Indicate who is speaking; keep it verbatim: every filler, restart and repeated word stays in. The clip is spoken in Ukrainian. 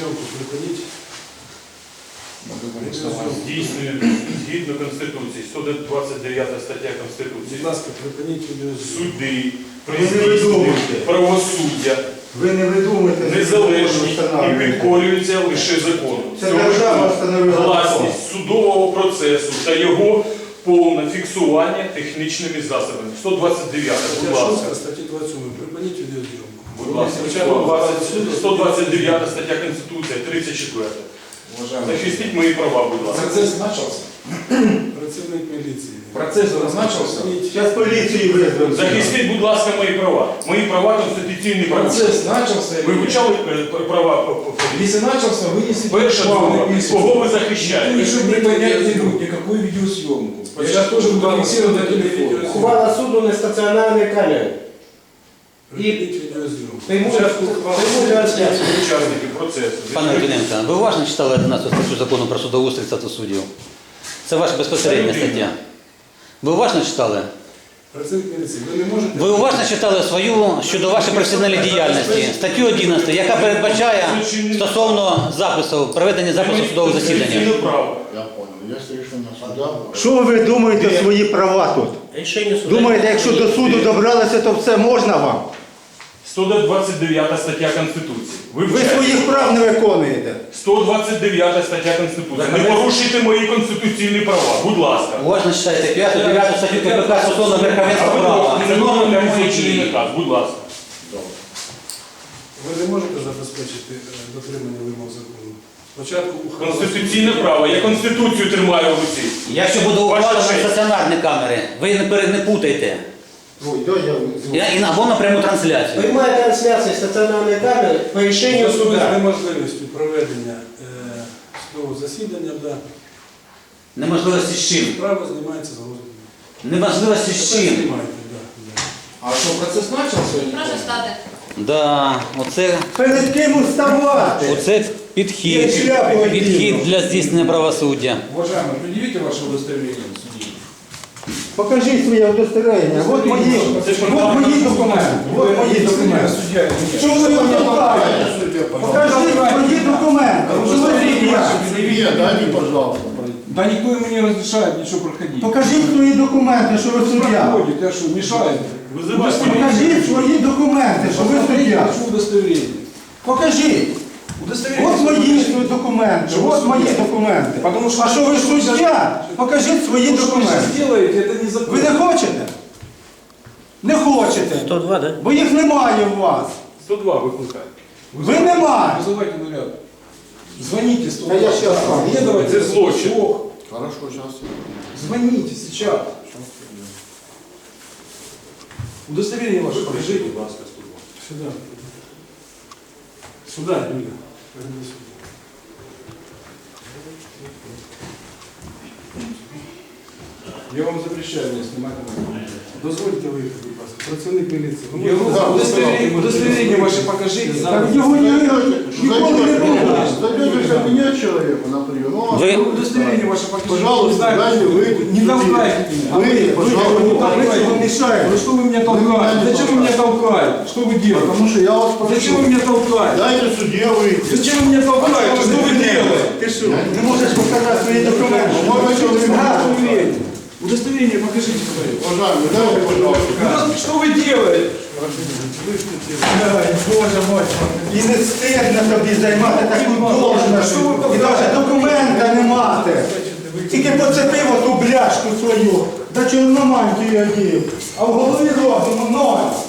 Speaker 1: Відеозйомку припиніть.
Speaker 2: Здійснює згідно Конституції, сто двадцять дев'ята стаття Конституції.
Speaker 1: Будь ласка, припиніть відеозйомку.
Speaker 2: Суди,
Speaker 3: Ви не
Speaker 2: при
Speaker 3: видумуєте.
Speaker 2: правосуддя
Speaker 3: Ви не видумуєте.
Speaker 2: незалежні і підкорюються лише закону.
Speaker 3: Це держава встановила закон.
Speaker 2: Власність судового процесу та його повне фіксування технічними засобами. сто двадцять дев'ята, будь
Speaker 1: Стаття
Speaker 2: ласка.
Speaker 1: шоста, статті двадцять сім. Припиніть відеозйомку.
Speaker 2: Будь ласка, сто двадцять сто двадцять дев'ята стаття Конституції, тридцять четверта. Захистіть мої права, будь ласка.
Speaker 4: Процесс начался.
Speaker 1: Працівник міліції.
Speaker 4: Процесс начался.
Speaker 3: Зараз поліцію визвемо.
Speaker 2: Захистіть, будь ласка, мої права. Мої права конституційні права.
Speaker 4: Процесс начался.
Speaker 2: Ви вивчали е, права по- по- по-
Speaker 4: Если начался, вынесите
Speaker 2: Перша друга. Кого ви
Speaker 4: Никто
Speaker 2: захищаєте?
Speaker 4: еще не понять не будет никакую видеосъемку. Я сейчас тоже буду фиксировать на телефон.
Speaker 5: Ухвала суду на стаціонарній камері.
Speaker 1: Припиніть відеозйомку.
Speaker 5: Пряму трансляцію.
Speaker 2: Учасники процесу.
Speaker 6: Пане Литвиненко, ви уважно читали одинадцяту статтю закону про судоустрій та суддів? Це ваша безпосередня стаття. Ви уважно читали?
Speaker 1: Працівник міліції, ви не можете...
Speaker 6: Ви уважно читали свою щодо вашої професійної діяльності, статтю одинадцяту, яка передбачає стосовно запису, проведення запису судового засідання.
Speaker 2: Конституційне право.
Speaker 7: Я понял. Есть решение суда.
Speaker 3: Що ви думаєте свої права тут?
Speaker 5: Рішення суду.
Speaker 3: Думаєте, якщо до суду добралися, то все можна вам?
Speaker 2: сто двадцять дев'ята стаття Конституції. Ви
Speaker 3: Ви
Speaker 2: вчаєте.
Speaker 3: своїх прав не виконуєте.
Speaker 2: сто двадцять дев'ята стаття Конституції. Не порушуйте мої конституційні права, будь ласка.
Speaker 6: Уважно читайте п'яту, дев'яту статтю КПК стосовно верховенства
Speaker 2: А ви
Speaker 6: права. Це норма
Speaker 2: не
Speaker 6: прямої
Speaker 2: можете
Speaker 6: дії.
Speaker 2: наказ, будь ласка.
Speaker 1: Ви не можете забезпечити е, дотримання вимог закону. Спочатку ухвала...
Speaker 2: Конституційне право. Я Конституцію тримаю в руці.
Speaker 6: Якщо буде ухвалено
Speaker 2: Ваша
Speaker 6: на
Speaker 2: честь.
Speaker 6: стаціонарні камери, ви не, пере- не путайте.
Speaker 3: Ой, дай я звук.
Speaker 6: Я- і Або на пряму трансляцію.
Speaker 5: Прямая трансляція стаціонарної камери по рішенню
Speaker 1: Стосується
Speaker 5: суда.
Speaker 1: неможливістю проведення е, судового засідання, да.
Speaker 6: Неможливості з чим?
Speaker 1: Справа знімається з розгляду.
Speaker 6: Неможливості з чим?
Speaker 1: Знімаєте, да, да.
Speaker 4: А что, процесс начался? или
Speaker 8: Прошу
Speaker 4: нет?
Speaker 8: стати.
Speaker 6: Да, оце,
Speaker 3: Перед ким уставати?
Speaker 6: оце підхід,
Speaker 3: Є шляпа одягнена.
Speaker 6: підхід для здійснення правосуддя.
Speaker 4: Уважаемый, предъявите ваше удостоверение судьи.
Speaker 3: Покажіть своє удостоверення. От мої, от мої документи. От мої документи.
Speaker 4: Судья или нет?
Speaker 3: Чому ви мене толкаєте? Покажіть мої документи. Що ви суддя?
Speaker 7: Нет, дайте, пожалуйста.
Speaker 4: Да никто ему не разрешает ничего проходить.
Speaker 3: Покажіть свої документи, що ви суддя.
Speaker 4: Проходит, я что, мешает?
Speaker 2: Визивайте.
Speaker 3: Покажіть свої документи, що ви суддя.
Speaker 4: Хочу удостоверение.
Speaker 3: Покажіть.
Speaker 4: Удостоверение.
Speaker 3: От мої свої документи, от мої документи.
Speaker 4: Потому что-
Speaker 3: А що ви суддя? Покажіть свої
Speaker 4: То, что вы сейчас
Speaker 3: документи.
Speaker 4: делаете, это
Speaker 3: Ви
Speaker 4: незаконно.
Speaker 3: не хочете? Не хочете.
Speaker 5: сто два, да?
Speaker 3: Бо їх немає у вас.
Speaker 2: сто два викликайте.
Speaker 3: Ви немає.
Speaker 4: Вызывайте наряд. Звоните сто
Speaker 3: Да я щас вам.
Speaker 4: Не давайте
Speaker 2: Это злочин.
Speaker 4: слух.
Speaker 7: Хорошо, сейчас.
Speaker 4: Звоните сейчас. Удостоверение ваше покажите.
Speaker 2: Будь ласка, сто два.
Speaker 1: Сюда. Сюда, Юля. Пойди сюда.
Speaker 4: Я вам запрещаю меня снимать на камеру.
Speaker 1: Дозвольте виїхати, будь ласка. Працівник міліції. Ви
Speaker 4: Я
Speaker 1: можете-
Speaker 4: вам удостоверение, удостоверение ваше покажите.
Speaker 3: Так його ні- ніколи не було.
Speaker 7: Зайдете в кабинет человеку на прием. Ну, а
Speaker 6: Ви-
Speaker 7: вы-
Speaker 4: Удостоверение ваше покажите.
Speaker 7: Пожалуйста,
Speaker 4: Не знаю,
Speaker 7: дайте выйти.
Speaker 4: не толкайте меня.
Speaker 7: Вы, пожалуйста,
Speaker 4: не
Speaker 3: Ви
Speaker 4: толкайте.
Speaker 3: цього мішаєте.
Speaker 4: Ну что вы меня
Speaker 7: Вы
Speaker 4: толкаете?
Speaker 7: меня не
Speaker 4: Зачем вы меня толкаете? Что вы делаете?
Speaker 7: Потому что я вас прошу.
Speaker 4: Зачем вы меня толкаете?
Speaker 7: Дайте судье выйти.
Speaker 4: Зачем вы меня толкаете? Что вы делаете?
Speaker 3: Ти що? Не можеш показати свої документи.
Speaker 7: Можно человек?
Speaker 4: Удостоверение. Удостоверение покажите, говорю.
Speaker 7: Уважаемый, дайте, пожалуйста.
Speaker 4: Удо- Что вы делаете?
Speaker 3: Ай, Боже мой. І не стидно тобі займати таку должність. І навіть документа не мати. Тільки поцепив оту бляшку свою. До чорномантію одів. А в голові розуму ноль.